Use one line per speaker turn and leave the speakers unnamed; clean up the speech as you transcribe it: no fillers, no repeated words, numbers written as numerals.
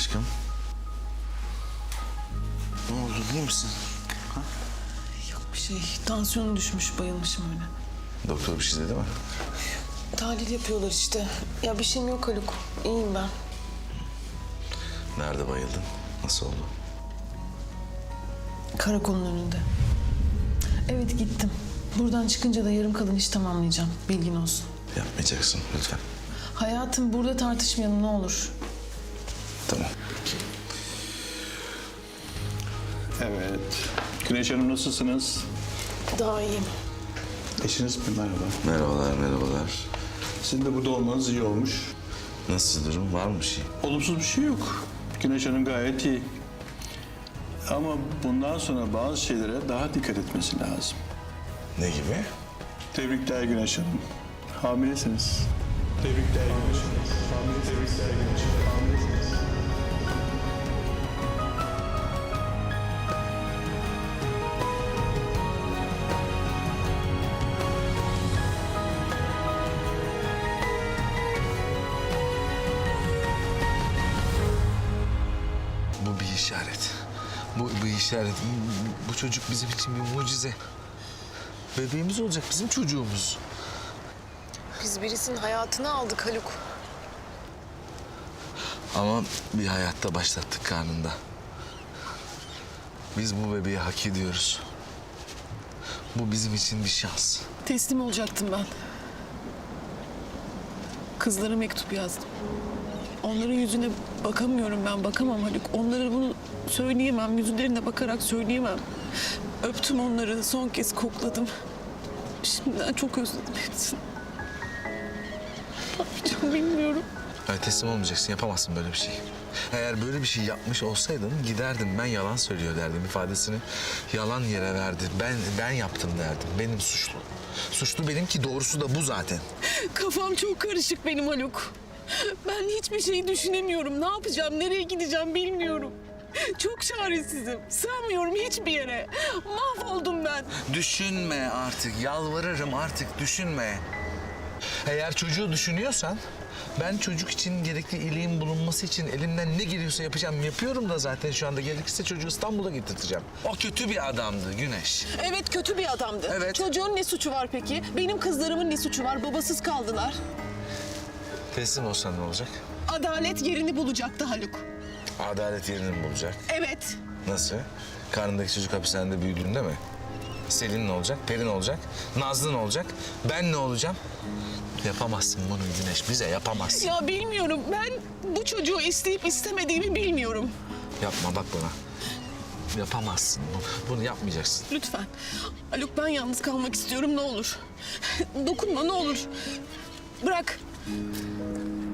aşkım? Ne oldu, iyi misin? Ha?
Yok bir şey. Tansiyonum düşmüş, bayılmışım öyle.
Doktor bir şey dedi mi?
Tahlil yapıyorlar işte. Ya bir şeyim yok Haluk. İyiyim ben.
Nerede bayıldın? Nasıl oldu?
Karakolun önünde. Evet gittim. Buradan çıkınca da yarım kalan iş tamamlayacağım. Bilgin olsun.
Yapmayacaksın lütfen.
Hayatım burada tartışmayalım ne olur.
Tamam.
Evet. Güneş Hanım nasılsınız?
Daha iyiyim.
Eşiniz mi? Merhaba.
Merhabalar, merhabalar.
Sizin de burada olmanız iyi olmuş.
Nasıl durum? Var mı bir şey?
Olumsuz bir şey yok. Güneş Hanım gayet iyi. Ama bundan sonra bazı şeylere daha dikkat etmesi lazım.
Ne gibi?
Tebrikler Güneş Hanım. Hamilesiniz. Tebrikler Güneş Hanım. Tebrikler Güneş Hanım. Hamilesiniz.
Bu bir işaret. Bu işaret. Bu çocuk bizim için bir mucize. Bebeğimiz olacak, bizim çocuğumuz.
Biz birisinin hayatını aldık Haluk.
Ama bir hayatta başlattık karnında. Biz bu bebeği hak ediyoruz. Bu bizim için bir şans.
Teslim olacaktım ben. Kızlara mektup yazdım. Onların yüzüne bakamıyorum ben, bakamam Haluk. Onlara bunu söyleyemem, yüzlerine bakarak söyleyemem. Öptüm onları, son kez kokladım. Şimdiden çok özledim hepsini. Ne yapacağım bilmiyorum.
Hayır, teslim olmayacaksın, yapamazsın böyle bir şey. Eğer böyle bir şey yapmış olsaydın giderdim, ben yalan söylüyor derdim ifadesini. Yalan yere verdi, ben yaptım derdim, benim suçlu. Suçlu benim ki doğrusu da bu zaten.
Kafam çok karışık benim Haluk. Ben hiçbir şeyi düşünemiyorum. Ne yapacağım, nereye gideceğim bilmiyorum. Çok çaresizim. Sığamıyorum hiçbir yere. Mahvoldum ben.
Düşünme artık, yalvarırım artık düşünme. Eğer çocuğu düşünüyorsan, ben çocuk için gerekli iyiliğin bulunması için elimden ne geliyorsa yapacağım. Yapıyorum da zaten şu anda. Gerekirse çocuğu İstanbul'a getirteceğim. O kötü bir adamdı Güneş.
Evet kötü bir adamdı.
Evet.
Çocuğun ne suçu var peki? Benim kızlarımın ne suçu var? Babasız kaldılar.
Teslim olsan ne olacak?
Adalet yerini bulacaktı Haluk.
Adalet yerini mi bulacak?
Evet.
Nasıl? Karnındaki çocuk hapishanede büyüdüğünde mi? Selin ne olacak? Peri ne olacak? Nazlı ne olacak? Ben ne olacağım? Yapamazsın bunu Güneş. Bize yapamazsın.
Ya bilmiyorum. Ben bu çocuğu isteyip istemediğimi bilmiyorum.
Yapma bak bana. Yapamazsın. Bunu yapmayacaksın.
Lütfen. Haluk ben yalnız kalmak istiyorum ne olur. Dokunma ne olur. Bırak.